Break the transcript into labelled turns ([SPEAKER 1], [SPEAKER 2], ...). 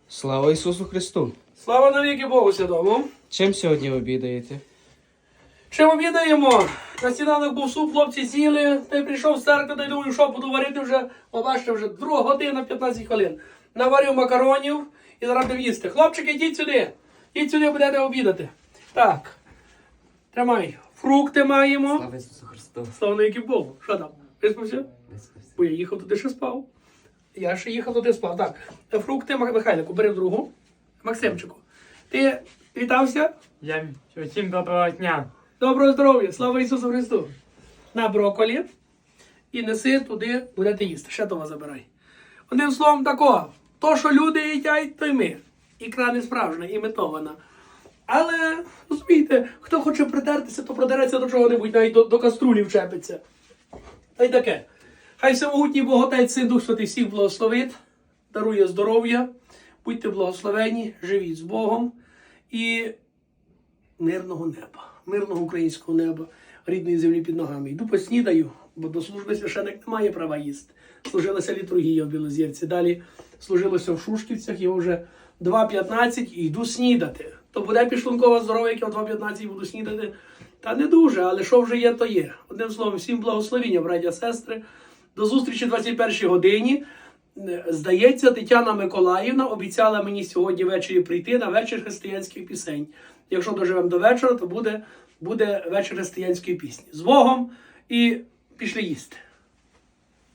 [SPEAKER 1] Слава Ісусу Христу!
[SPEAKER 2] Слава навіки Богу Святому!
[SPEAKER 1] Чим сьогодні обідаєте?
[SPEAKER 2] Чим обідаємо? На сніданок був суп, хлопці сіли, та й прийшов з церкви, та й думаю, що буду варити вже, бачите, вже 2 година 15 хвилин. Наварив макаронів і зараз будемо їсти. Хлопчики, йдіть сюди. Йдіть сюди, будете обідати. Так. Тримай. Фрукти маємо.
[SPEAKER 1] Слава Ісусу Христу!
[SPEAKER 2] Слава навіки Богу. Що там? Виспався?
[SPEAKER 1] Виспався.
[SPEAKER 2] Бо я їхав туди, ще спав. Я ще їхав туди, спав. Так. Фрукти, Михайлику, бери в другу. Максимчику. Ти вітався?
[SPEAKER 3] Я всім доброго дня.
[SPEAKER 2] Доброго здоров'я, слава Ісусу Христу. На брокколі і неси туди, будете їсти. Ще того забирай. Одним словом такого, то, що люди їдять, то й ми. Ікра не справжня, імітована. Але, розумієте, хто хоче придертися, то продереться до чого-небудь, навіть до каструлі вчепиться. Та й таке. Хай всемогутній Бог Отець, Син, Дух Святий всіх благословить, дарує здоров'я, будьте благословені, живіть з Богом і мирного неба. Мирного українського неба, рідної землі під ногами. Йду поснідаю, бо до служби священик не має права їсти. Служилася літургія в Білозірці. Далі служилося в Шушківцях, його вже 2:15 і йду снідати. То буде підшлункова здоров'я, як я в 2:15 буду снідати. Та не дуже, але що вже є, то є. Одним словом, всім благословіння, браття, сестри. До зустрічі 21-й годині. Здається, Тетяна Миколаївна обіцяла мені сьогодні ввечері прийти на вечір християнських пісень. Якщо доживемо до вечора, то буде вечір християнської пісні. З Богом і пішли їсти.